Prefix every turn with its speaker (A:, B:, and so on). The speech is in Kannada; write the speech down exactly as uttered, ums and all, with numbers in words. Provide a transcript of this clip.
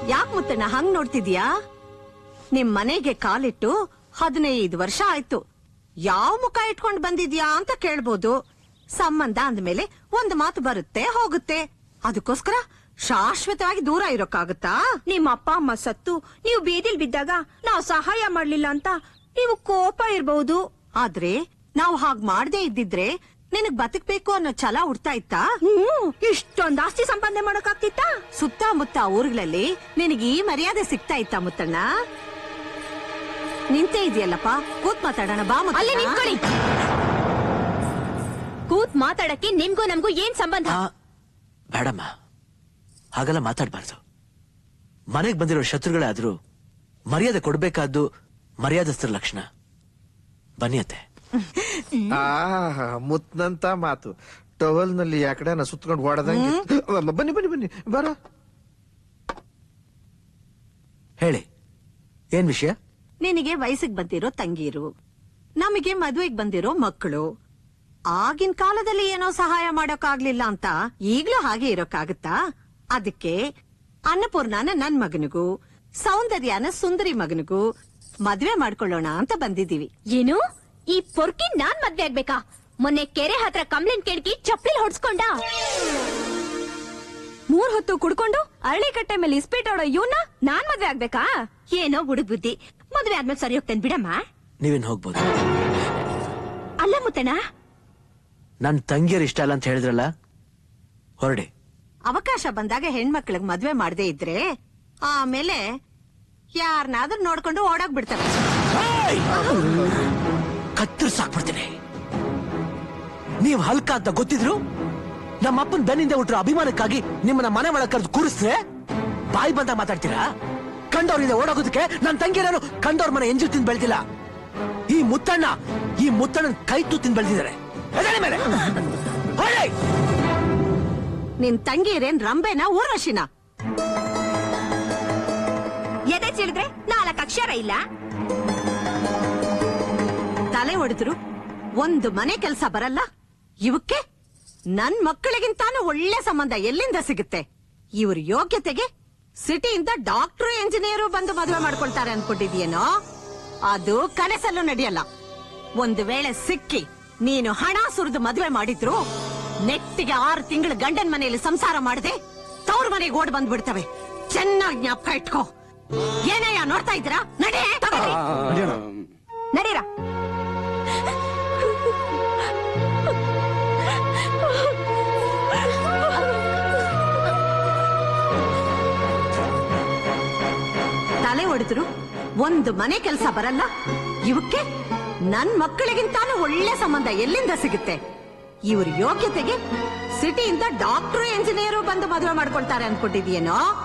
A: ಯಾಕೆ ಮುತ್ತಣ್ಣ ಹಂಗ್ ನೋಡ್ತಿದ್ಯಾ? ನಿಮ್ ಮನೆಗೆ ಕಾಲಿಟ್ಟು ಹದಿನೈದು ವರ್ಷ ಆಯ್ತು. ಯಾವ ಮುಖ ಇಟ್ಕೊಂಡ್ ಬಂದಿದ್ಯಾ ಅಂತ ಕೇಳ್ಬೋದು. ಸಂಬಂಧ ಅಂದ್ಮೇಲೆ ಒಂದ್ ಮಾತು ಬರುತ್ತೆ ಹೋಗುತ್ತೆ. ಅದಕ್ಕೋಸ್ಕರ ಶಾಶ್ವತವಾಗಿ ದೂರ ಇರೋಕ್ಕಾಗತ್ತಾ?
B: ನಿಮ್ಮ ಅಪ್ಪ ಅಮ್ಮ ಸತ್ತು ನೀವು ಬೀದಿಲ್ ಬಿದ್ದಾಗ ನಾವು ಸಹಾಯ ಮಾಡ್ಲಿಲ್ಲ ಅಂತ ನೀವು ಕೋಪ ಇರ್ಬಹುದು.
A: ಆದ್ರೆ ನಾವು ಹಾಗ್ ಮಾಡದೇ ಇದ್ದಿದ್ರೆ ನಿನಗ್ ಬದುಕ್ಬೇಕು ಅನ್ನೋ ಛಲ ಹುಡ್ತಾ ಇತ್ತಾ?
B: ಹ್ಮ್ ಇಷ್ಟೊಂದ್ ಆಸ್ತಿ ಸಂಪಾದನೆ ಮಾಡಕ್ಕಾಗ್ತಿತ್ತ?
A: ಸುತ್ತಮುತ್ತ ಊರುಗಳಲ್ಲಿ ನಿನಗೆ ಈ ಮರ್ಯಾದೆ ಸಿಗ್ತಾ ಇತ್ತಾ ಮುತ್ತಣ್ಣ? ನಿಂತೇ ಇದೆಯಲ್ಲಪ್ಪ, ಕೂತ್ ಮಾತಾಡೋಣ ಬಾ.
B: ಅಲ್ಲೇ ನಿಂತ್ಕೊಳ್ಳಿ. ಕೂತ್ ಮಾತಾಡಕ್ಕೆ ನಿಮ್ಗೂ ನಮ್ಗೂ ಏನ್ ಸಂಬಂಧ?
C: ಬೇಡಮ್ಮ, ಹಾಗೆಲ್ಲ ಮಾತಾಡ್ಬಾರ್ದು. ಮನೆಗ್ ಬಂದಿರೋ ಶತ್ರುಗಳೇ ಆದ್ರೂ ಮರ್ಯಾದೆ ಕೊಡ್ಬೇಕಾದ್ದು ಮರ್ಯಾದಸ್ಥರ ಲಕ್ಷಣ. ಬನ್ನಿ ಅತ್ತೆ.
D: ಆ ಮುತ್ನಂತ ಮಾತು ಟವಲ್ ನಲ್ಲಿ ಯಾಕಡೆ ನಾ ಸುತ್ಕೊಂಡು ಓಡದಂಗೆ. ಬನ್ನಿ ಬನ್ನಿ ಬನ್ನಿ ಬರ.
C: ಹೇಳಿ, ಏನ್ ವಿಷಯ?
A: ನಿನಗೆ ವಯಸ್ಸಿಗೆ ಬಂದಿರೋ ತಂಗೀರು, ನಮಗೆ ಮದುವೆಗೆ ಬಂದಿರೋ ಮಕ್ಕಳು. ಆಗಿನ ಕಾಲದಲ್ಲಿ ಏನೋ ಸಹಾಯ ಮಾಡೋಕ್ಕಾಗ್ಲಿಲ್ಲ ಅಂತ ಈಗ್ಲೂ ಹಾಗೆ ಇರೋಕ್ಕಾಗತ್ತಾ? ಅದಕ್ಕೆ ಅನ್ನಪೂರ್ಣನ ನನ್ ಮಗನಿಗೂ ಸೌಂದರ್ಯನ ಸುಂದರಿ ಮಗನಿಗೂ ಮದ್ವೆ ಮಾಡ್ಕೊಳ್ಳೋಣ ಅಂತ ಬಂದಿದ್ದೀವಿ.
B: ಏನು ಈ ಪೊರ್ಕಿ ನಾನ್ ಮದ್ವೆ ಆಗ್ಬೇಕಾ? ಮೊನ್ನೆ ಕೆರೆ ಹತ್ರ ಕಂಪ್ಲೇಂಟ್ ಕೇಳ್ಕಿ ಚಪ್ಪಲಿ ಹೊಡ್ಸ್ಕೊಂಡ. ಮೂರ್ ಹೊತ್ತು ಕುಡ್ಕೊಂಡು ಅರಳಿ ಕಟ್ಟೆ ಮೇಲೆ ಇಸ್ಪೀಟ್ ಆಡೋ ಇವನ್ನ ನಾನ್ ಮದ್ವೆ ಆಗ್ಬೇಕಾ? ಏನೋ ಹುಡುಗ್ ಬುದ್ಧಿ. ಮದ್ವೆ ಆದ್ಮೇಲೆ ಸರಿ ಹೋಗ್ತೇನೆ ಬಿಡಮ್ಮ.
C: ನೀವೇನ್ ಹೋಗ್ಬೋದು.
B: ಅಲ್ಲ ಮುತ್ತಣ್ಣ,
C: ನನ್ ತಂಗಿಯರ್ ಇಷ್ಟ ಅಲ್ಲ ಅಂತ ಹೇಳಿದ್ರಲ್ಲ, ಹೊರಡಿ.
A: ಅವಕಾಶ ಬಂದಾಗ ಹೆಣ್ಮಕ್ಳಿಗೆ ಮದ್ವೆ ಮಾಡದೇ ಇದ್ರೆ ಆಮೇಲೆ ಯಾರನ್ನಾದ್ರೂ ನೋಡ್ಕೊಂಡು ಓಡಾಗ್ ಬಿಡ್ತಾರೆ.
C: ಕತ್ತರಿಸಾಕ್ಬಿಡ್ತೀನಿ. ನೀವ್ ಹಲ್ಕ ಅಂತ ಗೊತ್ತಿದ್ರು ನಮ್ಮಪ್ಪನ ಬೆನ್ನಿಂದ ಹುಟ್ಟರು ಅಭಿಮಾನಕ್ಕಾಗಿ ನಿಮ್ಮನ್ನ ಮನೆ ಒಳಗೆ ಕರೆದು ಕೂರಿಸಿದ್ರೆ ಬಾಯಿ ಬಂದ ಮಾತಾಡ್ತೀರಾ? ಕಂಡವ್ರಿಂದ ಓಡೋಗೋದಕ್ಕೆ ನನ್ ತಂಗಿಯರು ಕಂಡವ್ರ ಮನೆ ಎಂಜು ತಿಂದು ಬೆಳೆದಿಲ್ಲ. ಈ ಮುತ್ತಣ್ಣ ಈ ಮುತ್ತಣ್ಣನ ಕೈ ತು ತಿಂದು ಬೆಳೆದಿದ್ದಾರೆ.
A: ನಿನ್ ತಂಗಿಯರೇನ್ ರಂಬೆನ ಊರ್ವಶಿನ?
B: ಎದೆ ಚಿಡಿದ್ರೆ ನಾಲ್ಕು ಅಕ್ಷರ ಇಲ್ಲ.
A: ತಲೆ ಹೊಡೆದ್ರು ಒಂದು ಮನೆ ಕೆಲಸ ಬರಲ್ಲ. ಇವಕ್ಕೆ ನನ್ ಮಕ್ಕಳಿಗಿಂತಾನು ಒಳ್ಳೆ ಸಂಬಂಧ ಎಲ್ಲಿಂದ ಸಿಗುತ್ತೆ? ಇವ್ರ ಯೋಗ್ಯತೆಗೆ ಸಿಟಿಯಿಂದ ಡಾಕ್ಟರ್ ಇಂಜಿನಿಯರು ಬಂದು ಮದುವೆ ಮಾಡ್ಕೊಳ್ತಾರೆ ಅನ್ಕೊಂಡಿದ್ಯೇನೋ? ಅದು ಕನಸಲ್ಲೂ ನಡೆಯಲ್ಲ. ಒಂದು ವೇಳೆ ಸಿಕ್ಕಿ ನೀನು ಹಣ ಸುರಿದು ಮದುವೆ ಮಾಡಿದ್ರು ನೆಟ್ಟಿಗೆ ಆರು ತಿಂಗಳು ಗಂಡನ್ ಮನೆಯಲ್ಲಿ ಸಂಸಾರ ಮಾಡದೆ ತವ್ರ ಮನೆಗೆ ಓಡ್ ಬಂದ್ಬಿಡ್ತವೆ. ಚೆನ್ನಾಗಿ ಜ್ಞಾಪಕ ಇಟ್ಕೋ. ಏನಯ್ಯ ನೋಡ್ತಾ ಇದ್ದೀರಾ? ನಡೆ
B: ನಡೀರ.
A: ತಲೆ ಹೊಡೆದ್ರು ಒಂದು ಮನೆ ಕೆಲಸ ಬರಲ್ಲ. ಇವಕ್ಕೆ ನನ್ ಮಕ್ಕಳಿಗಿಂತಾನು ಒಳ್ಳೆ ಸಂಬಂಧ ಎಲ್ಲಿಂದ ಸಿಗುತ್ತೆ? ಇವ್ರ ಯೋಗ್ಯತೆಗೆ ಸಿಟಿಯಿಂದ ಡಾಕ್ಟರ್ ಇಂಜಿನಿಯರು ಬಂದು ಮದುವೆ ಮಾಡ್ಕೊಳ್ತಾರೆ ಅನ್ಕೊಂಡಿದ್ಯೇನೋ?